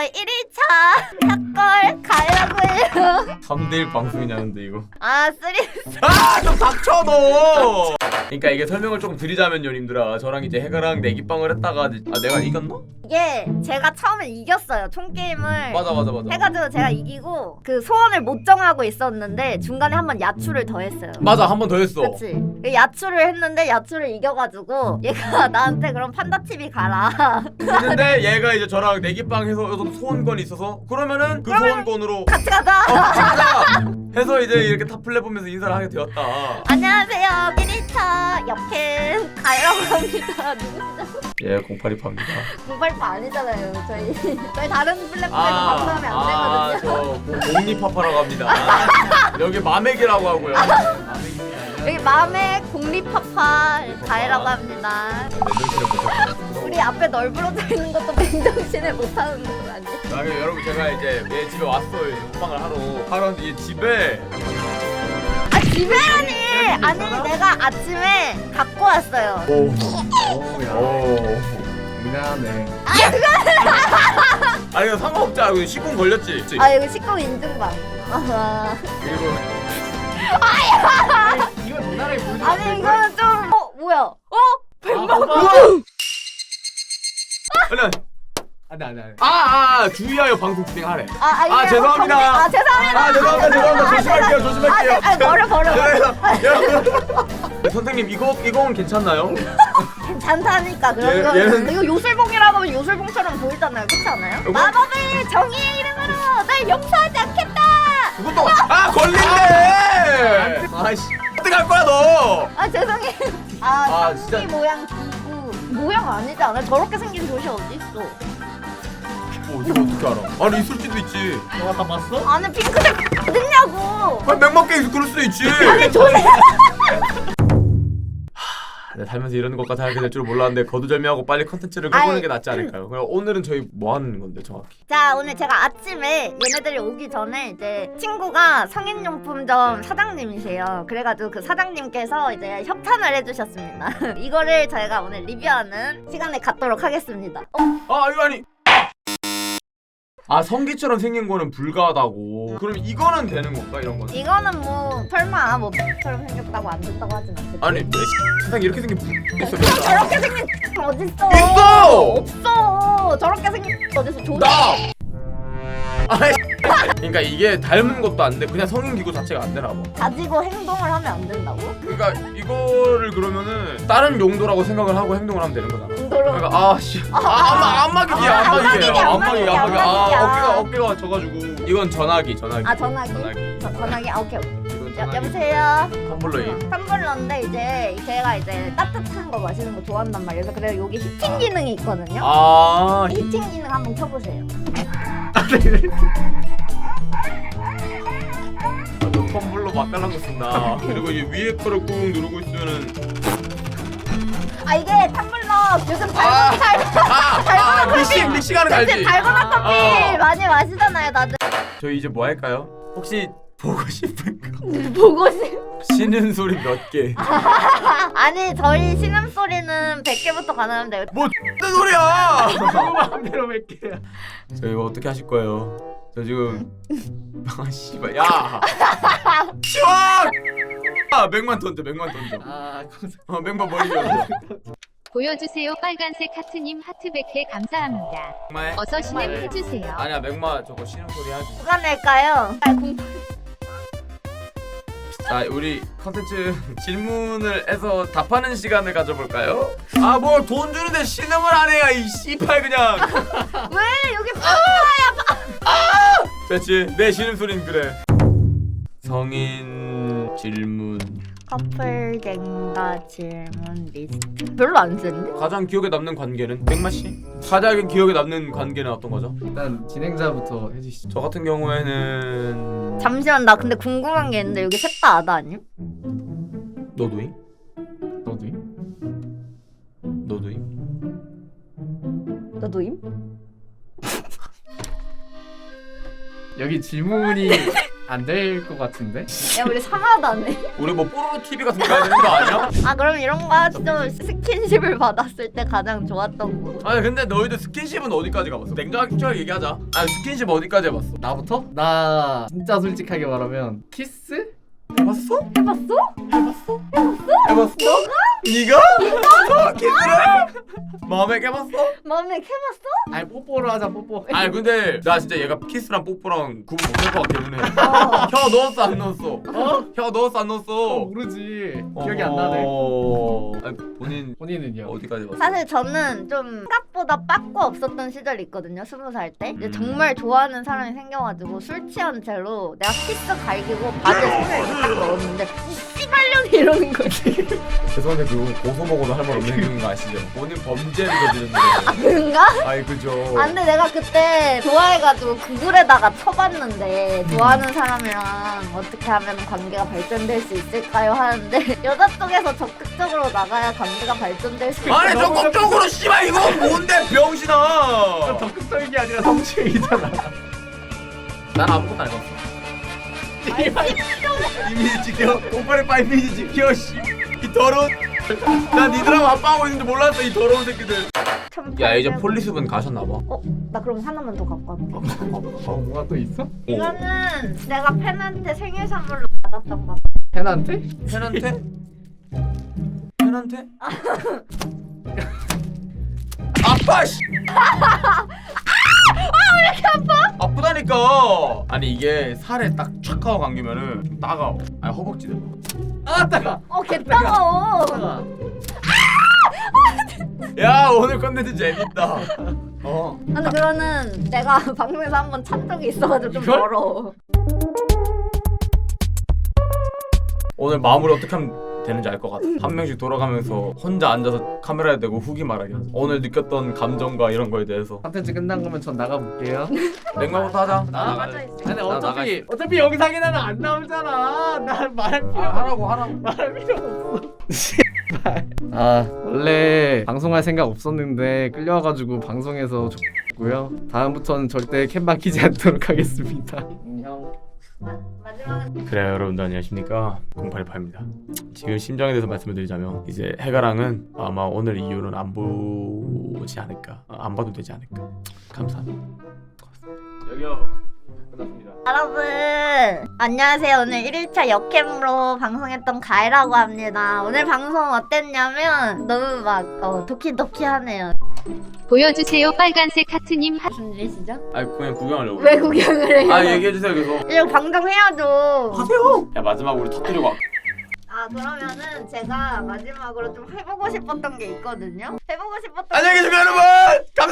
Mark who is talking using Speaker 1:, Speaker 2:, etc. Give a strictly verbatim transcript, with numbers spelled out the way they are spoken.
Speaker 1: 일 일차 샷걸 가려고 해요.
Speaker 2: 삼 대 일 방송이냐는데 이거.
Speaker 1: 아 쓰리.
Speaker 2: 아 좀 닥쳐 너. 그러니까 이게 설명을 조금 드리자면요 님들아, 저랑 이제 해가랑 내기빵을 했다가 아 내가 이겼나?
Speaker 1: 이게 제가 처음에 이겼어요. 총 게임을.
Speaker 2: 맞아 맞아 맞아.
Speaker 1: 해가지고 제가 이기고 그 소원을 못 정하고 있었는데 중간에 한번 야추를 더 했어요.
Speaker 2: 맞아 한 번 더 했어.
Speaker 1: 그치? 그 야추를 했는데 야추를 이겨가지고 얘가 나한테 그럼 판다티비 가라.
Speaker 2: 근데 얘가 이제 저랑 내기빵 해서 여기서 소원권이 있어서 그러면은 그
Speaker 1: 그러면
Speaker 2: 소원권으로
Speaker 1: 같이 가자.
Speaker 2: 어, 가자 해서 이제 이렇게 탑플레 보면서 인사를 하게 되었다.
Speaker 1: 안녕하세요. 일 일차 옆캠 가려고 합니다. 누구시죠?
Speaker 2: 예, 공팔이파입니다.
Speaker 1: 모바일파 아니잖아요. 저희 저희 다른 플랫폼에서
Speaker 2: 아,
Speaker 1: 방송하면 안
Speaker 2: 아,
Speaker 1: 되거든요.
Speaker 2: 저 공리파파라고 합니다. 여기 마맥이라고 하고요.
Speaker 1: 여기 맘의 공리파파 가해라고 합니다. 우리 앞에 널브러져 있는 것도 맨정신에 못하는 건 아니에요?
Speaker 2: 아, 그럼 여러분 제가 이제 얘 집에 왔어요. 이제 먹방을 하러. 하러 왔는데 얘 집에
Speaker 1: 아 집에라니! 아니 내가 아침에 갖고 왔어요.
Speaker 2: 오,
Speaker 3: 오야
Speaker 2: 오.
Speaker 3: 미안해.
Speaker 2: 아니 이거 상관없지. 이거 시공 걸렸지.
Speaker 1: 아 이거 식구 인증방. 아하.
Speaker 2: 그리고
Speaker 3: 이거 누나를 보여줘.
Speaker 1: 아니 이거는 좀 어? 뭐야? 어? 백만
Speaker 2: 얼른.
Speaker 3: 안돼 안돼 안돼.
Speaker 2: 아, 아, 아, 주의하여 방송 진행하래.
Speaker 1: 아, 아, 이게
Speaker 2: 아, 죄송합니다.
Speaker 1: 정- 아 죄송합니다.
Speaker 2: 아, 죄송합니다. 죄송합니다.
Speaker 1: 아,
Speaker 2: 조심할게요.
Speaker 1: 죄송-
Speaker 2: 조심할게요.
Speaker 1: 아, 아, 버려 버려.
Speaker 2: 네, 선생님 이거 이건 괜찮나요?
Speaker 1: 괜찮다니까 그런
Speaker 2: 얘-
Speaker 1: 거.
Speaker 2: 얘는-
Speaker 1: 이거 요술봉이라고 하면 요술봉처럼 보이잖아요. 그렇지 않아요?
Speaker 2: 이거-
Speaker 1: 마법의 정의의 이름으로 날 용서하지 않겠다.
Speaker 2: 그것도 아 걸린대. 아이씨 어떻게 할 거야 너?
Speaker 1: 아 죄송해요. 아,
Speaker 2: 아,
Speaker 1: 상기
Speaker 2: 진짜.
Speaker 1: 모양 기구 모양 아니지 않아요? 저렇게 생긴 도시 어디 있어?
Speaker 2: 뭐 이거 어떻게 알아? 아니 있을 수도 있지.
Speaker 3: 너가 다 봤어?
Speaker 1: 안에 핑크색 어딨냐고.
Speaker 2: 아니 맥맞게 있을 그럴 수도 있지.
Speaker 1: 아니 조심.
Speaker 2: 내 살면서 이런 것까지 하게 될 줄 몰랐는데 거두절미하고 빨리 컨텐츠를 해보는
Speaker 1: 아이.
Speaker 2: 게 낫지 않을까요? 그럼 오늘은 저희 뭐 하는 건데 정확히?
Speaker 1: 자 오늘 제가 아침에 얘네들이 오기 전에 이제 친구가 성인용품점 사장님이세요. 그래가지고 그 사장님께서 이제 협찬을 해주셨습니다. 이거를 저희가 오늘 리뷰하는 시간에 갖도록 하겠습니다. 어?
Speaker 2: 아 이거 아니. 아 성기처럼 생긴 거는 불가하다고. 그럼 이거는 되는 건가 이런 거는?
Speaker 1: 이거는 뭐 설마 뭐 처럼 생겼다고 안 된다고 하진 않겠지?
Speaker 2: 아니 왜 세상 이렇게 생긴 불 있어?
Speaker 1: 그럼 저렇게 생긴 어딨어?
Speaker 2: 있어!
Speaker 1: 없어. 저렇게 생긴 어딨어? 조심.
Speaker 2: 나! 아이 그러니까 이게 닮은 것도 안 돼. 그냥 성인 기구 자체가 안 되나 봐.
Speaker 1: 가지고 행동을 하면 안 된다고?
Speaker 2: 그러니까 이거를 그러면은 다른 용도라고 생각을 하고 행동을 하면 되는 거잖아.
Speaker 1: 행동을
Speaker 2: 그러니까 아씨 아 안마 안마기기야
Speaker 1: 아,
Speaker 2: 안마기예요.
Speaker 1: 안마기기,
Speaker 2: 안마기 안마기
Speaker 1: 안마기기,
Speaker 2: 아
Speaker 1: 안마기야.
Speaker 2: 어깨가 어깨가 져가지고 이건 전화기 전화기.
Speaker 1: 아 전화기?
Speaker 2: 전화기.
Speaker 1: 저, 전화기? 아 오케이 오케이.
Speaker 2: 이건
Speaker 1: 여,
Speaker 2: 전화기.
Speaker 1: 여보세요?
Speaker 2: 텀블러인.
Speaker 1: 텀블러인데 이제 제가 이제 따뜻한 거 마시는 거 좋아한단 말이에요. 그래서 그래서 여기 히팅 기능이 있거든요.
Speaker 2: 아
Speaker 1: 히팅 기능 한번 켜보세요.
Speaker 2: 너 텀블러 맛깔난 거 쓴다. 그리고 이제 위에 거를 꾹 누르고 있으면은
Speaker 1: 아 이게 텀블러 요즘 달고나 달
Speaker 2: 아아 믹싱 믹싱하는 거 알지?
Speaker 1: 달고나 커피
Speaker 2: 어.
Speaker 1: 많이 마시잖아요 다들.
Speaker 2: 저희 이제 뭐 할까요? 혹시 보고 싶은 거
Speaker 1: 보고 싶.
Speaker 2: 쉬는 소리 몇 개?
Speaker 1: 아니 저희 신음 소리는 백 개부터 가능한데.
Speaker 2: 뭐 X된 소리야!
Speaker 3: 마음대로 몇 개야.
Speaker 2: 저 이거 어떻게 하실 거예요? 저 지금 아 씨발 야! 치워! 아 맥만 던져 맥만 던져.
Speaker 3: 아
Speaker 2: 어 맥만 머리 던져.
Speaker 4: 보여주세요. 빨간색 하트님 하트 백 개 감사합니다.
Speaker 2: 정말?
Speaker 4: 어서 진행 해주세요.
Speaker 2: 아니야 맥마 저거 쉬는 소리 하지.
Speaker 1: 누가 낼까요? 아, 공...
Speaker 2: 자 우리 컨텐츠 질문을 해서 답하는 시간을 가져볼까요? 아 뭐 돈 주는데 신음을 안 해야 이 씨발 그냥.
Speaker 1: 왜 여기
Speaker 2: 됐지 내 신음 소리는 그래. 성인 질문.
Speaker 1: 커플 갱가 질문 리스트 별로 안 쓰는데?
Speaker 2: 가장 기억에 남는 관계는 맥마 씨? 가장 기억에 남는 관계는 어떤 거죠?
Speaker 3: 일단 진행자부터 해주시죠.
Speaker 2: 저 같은 경우에는
Speaker 1: 잠시만 나 근데 궁금한 게 있는데 여기 셋 다 아다 아님?
Speaker 2: 너도잉?
Speaker 3: 너도이?
Speaker 2: 너도잉?
Speaker 1: 너도임?
Speaker 3: 여기 질문이 안 될 것 같은데?
Speaker 1: 야 우리 사마다네.
Speaker 2: 우리 뭐 뽀로로 티비 같은 거 가야 되는 거 아니야?
Speaker 1: 아 그럼 이런 거 하죠. 스킨십을 받았을 때 가장 좋았던 거.
Speaker 2: 아니 근데 너희들 스킨십은 어디까지 가봤어? 냉정하게 얘기하자. 아니 스킨십 어디까지 해봤어?
Speaker 3: 나부터? 나 진짜 솔직하게 말하면 키스?
Speaker 2: 해봤어?
Speaker 1: 해봤어?
Speaker 2: 해봤어? 해봤어? 너가? 네가? 너 키스를? 마음에 깨봤어?
Speaker 1: 마음에 캐봤어?
Speaker 3: 아니 뽀뽀로 하자 뽀뽀.
Speaker 2: 아니 근데 나 진짜 얘가 키스랑 뽀뽀랑 구분 못할 것 같긴 해.
Speaker 1: 어.
Speaker 2: 혀 넣었어 안 넣었어?
Speaker 3: 어?
Speaker 2: 혀 넣었어 안
Speaker 3: 어,
Speaker 2: 넣었어?
Speaker 3: 모르지. 기억이 안 나네.
Speaker 2: 어... 아니 본인
Speaker 3: 본인은요?
Speaker 2: 어디까지 봤어?
Speaker 1: 사실 저는 좀 생각보다 빠꾸 없었던 시절이 있거든요. 스무 살 때. 이제
Speaker 2: 음.
Speaker 1: 정말 좋아하는 사람이 생겨가지고 술 취한 채로 내가 키스 갈기고 바지에 손을 이렇게 딱 넣었는데 이 씨발년이 이러는 거지.
Speaker 2: 죄송한데 그거 고소 먹어도 할 말 없는 거 아시죠? 본인 범죄를 저지르는데.
Speaker 1: 아 그런가?
Speaker 2: 아이 그죠.
Speaker 1: 아 근데 내가 그때 좋아해가지고 구글에다가 쳐봤는데 좋아하는 사람이랑 어떻게 하면 관계가 발전될 수 있을까요? 하는데 여자 쪽에서 적극적으로 나가야 관계가 발전될 수
Speaker 2: 아니
Speaker 1: 있어요.
Speaker 2: 적극적으로 씨발 이거 뭔데 병신아.
Speaker 3: 적극적인 게 아니라 성추행이잖아.
Speaker 2: 난 아무것도 안 해봤어. 이미지 지켜. 오빠의 빠 이미지 지켜. 씨. 이 더러운. 난 니들하고 아빠하고 있는지 몰랐어 이 더러운 새끼들.
Speaker 1: 참
Speaker 2: 야 이제
Speaker 1: 발전-
Speaker 2: 폴리스분 가셨나봐.
Speaker 1: 어? 나 그럼 하나만 더 갖고 왔네.
Speaker 3: 어 뭐가 또 있어?
Speaker 1: 이거는 내가 팬한테 생일 선물로 받았던 거.
Speaker 3: 팬한테?
Speaker 2: 팬한테? 팬한테? 아파 씨. 왜 이렇게 아파? 아프다니까. 아니 이게 살에 딱 촥 하고 감기면은 좀 따가워. 아니 허벅지들.
Speaker 3: 아 따가.
Speaker 1: 어, 개 따가워.
Speaker 3: 따가.
Speaker 2: 야 오늘 컨텐츠 재밌다. 어.
Speaker 1: 근데 그거는 내가 방송에서 한번 찬 적이 있어가지고 좀
Speaker 3: 이걸?
Speaker 1: 더러워.
Speaker 2: 오늘 마무리 어떻게 하면 되는지 알 것 같아. 한 명씩 돌아가면서 혼자 앉아서 카메라에 대고 후기 말하기 하자. 오늘 느꼈던 감정과 이런 거에 대해서.
Speaker 3: 컨텐츠 끝난 거면 전 나가볼게요.
Speaker 2: 냉방부터 하자.
Speaker 3: 나
Speaker 1: 아,
Speaker 3: 나가.
Speaker 1: 맞아 있어.
Speaker 3: 아니
Speaker 2: 나
Speaker 3: 어차피
Speaker 2: 나가.
Speaker 3: 어차피 영상에는 안 나오잖아. 난 말할 필요
Speaker 2: 아, 하라고 하라고.
Speaker 3: 말할 필요 없어. 아 원래 방송할 생각 없었는데 끌려와가지고 방송에서 좋고요. 다음부터는 절대 캠 막히지 않도록 하겠습니다. 안녕.
Speaker 1: 마, 마지막은
Speaker 2: 그래요 여러분들 안녕하십니까 공팔팔입니다. 지금 심정에 대해서 말씀을 드리자면 이제 해가랑은 아마 오늘 이후로는 안 보지 않을까. 아, 안 봐도 되지 않을까. 감사합니다. 여기요. 끝났습니다.
Speaker 1: 여러분 안녕하세요. 오늘 일 일차 역캠으로 방송했던 가이라고 합니다. 오늘 방송 어땠냐면 너무 막 어, 도키도키하네요.
Speaker 4: 보여주세요 빨간색 하트님 하...
Speaker 1: 무슨 일이시죠?
Speaker 2: 아 그냥 구경하려고.
Speaker 1: 왜 구경을 해요?
Speaker 2: 아 얘기해주세요 계속.
Speaker 1: 이거 방송해야죠.
Speaker 2: 하세요. 야 마지막 우리 터뜨리고. 와.
Speaker 1: 아 그러면은 제가 마지막으로 좀 해보고 싶었던 게 있거든요. 해보고 싶었던
Speaker 2: 안녕히 계세요 여러분. 감사합니다.